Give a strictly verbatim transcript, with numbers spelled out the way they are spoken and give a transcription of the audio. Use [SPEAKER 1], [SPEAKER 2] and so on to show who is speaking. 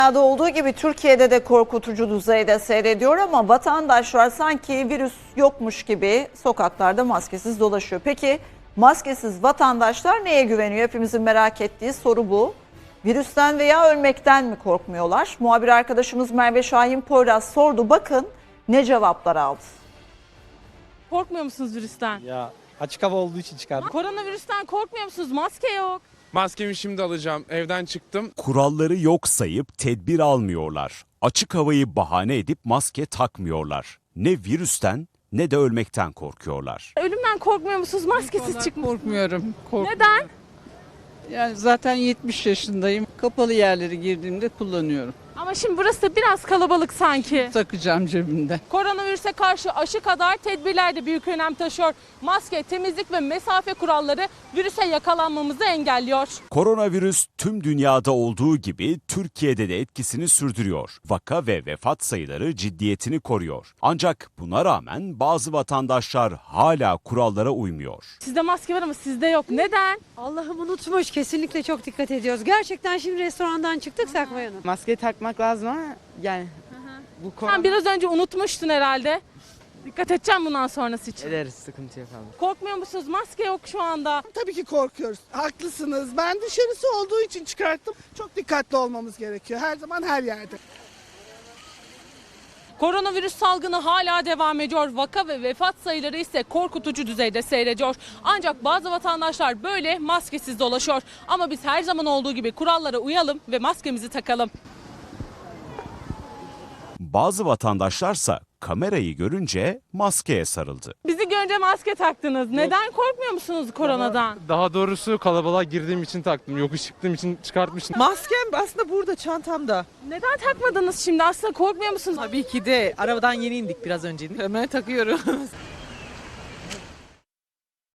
[SPEAKER 1] Dünyada olduğu gibi Türkiye'de de korkutucu düzeyde seyrediyor ama vatandaşlar sanki virüs yokmuş gibi sokaklarda maskesiz dolaşıyor. Peki maskesiz vatandaşlar neye güveniyor? Hepimizin merak ettiği soru bu. Virüsten veya ölmekten mi korkmuyorlar? Muhabir arkadaşımız Merve Şahin Poyraz sordu. Bakın ne cevaplar aldı.
[SPEAKER 2] Korkmuyor musunuz virüsten?
[SPEAKER 3] Ya açık hava olduğu için çıkardım.
[SPEAKER 2] Koronavirüsten korkmuyor musunuz? Maske yok.
[SPEAKER 4] Maskemi şimdi alacağım. Evden çıktım.
[SPEAKER 5] Kuralları yok sayıp tedbir almıyorlar. Açık havayı bahane edip maske takmıyorlar. Ne virüsten ne de ölmekten korkuyorlar.
[SPEAKER 2] Ölümden korkmuyor musunuz? Maskesiz çıkmak.
[SPEAKER 6] Korkmuyorum. korkmuyorum.
[SPEAKER 2] Neden?
[SPEAKER 6] Yani zaten yetmiş yaşındayım. Kapalı yerlere girdiğimde kullanıyorum.
[SPEAKER 2] Ama şimdi burası da biraz kalabalık sanki.
[SPEAKER 6] Takacağım cebimde.
[SPEAKER 2] Koronavirüse karşı aşı kadar tedbirler de büyük önem taşıyor. Maske, temizlik ve mesafe kuralları virüse yakalanmamızı engelliyor.
[SPEAKER 5] Koronavirüs tüm dünyada olduğu gibi Türkiye'de de etkisini sürdürüyor. Vaka ve vefat sayıları ciddiyetini koruyor. Ancak buna rağmen bazı vatandaşlar hala kurallara uymuyor.
[SPEAKER 2] Sizde maske var ama sizde yok. Neden?
[SPEAKER 7] Allah'ım unutmuş. Kesinlikle çok dikkat ediyoruz. Gerçekten şimdi restorandan çıktık Sakmay Hanım.
[SPEAKER 8] Maskeyi takmak lazım ama yani bu konu
[SPEAKER 2] Sen biraz önce unutmuştun herhalde. Dikkat edeceğim bundan sonrası için.
[SPEAKER 8] ederiz, sıkıntı yok abi.
[SPEAKER 2] Korkmuyor musunuz? Maske yok şu anda.
[SPEAKER 9] Tabii ki korkuyoruz. Haklısınız. Ben dışarısı olduğu için çıkarttım. Çok dikkatli olmamız gerekiyor. Her zaman her yerde.
[SPEAKER 2] Koronavirüs salgını hala devam ediyor. Vaka ve vefat sayıları ise korkutucu düzeyde seyrediyor. Ancak bazı vatandaşlar böyle maskesiz dolaşıyor. Ama biz her zaman olduğu gibi kurallara uyalım ve maskemizi takalım.
[SPEAKER 5] Bazı vatandaşlarsa kamerayı görünce maskeye sarıldı.
[SPEAKER 2] Bizi görünce maske taktınız. Neden korkmuyor musunuz koronadan?
[SPEAKER 3] Daha doğrusu kalabalığa girdiğim için taktım. Yokuş çıktığım için çıkartmıştım.
[SPEAKER 10] Maskem aslında burada çantamda.
[SPEAKER 2] Neden takmadınız şimdi? Aslında korkmuyor musunuz?
[SPEAKER 10] Tabii ki de arabadan yeni indik biraz önce. Hemen takıyorum.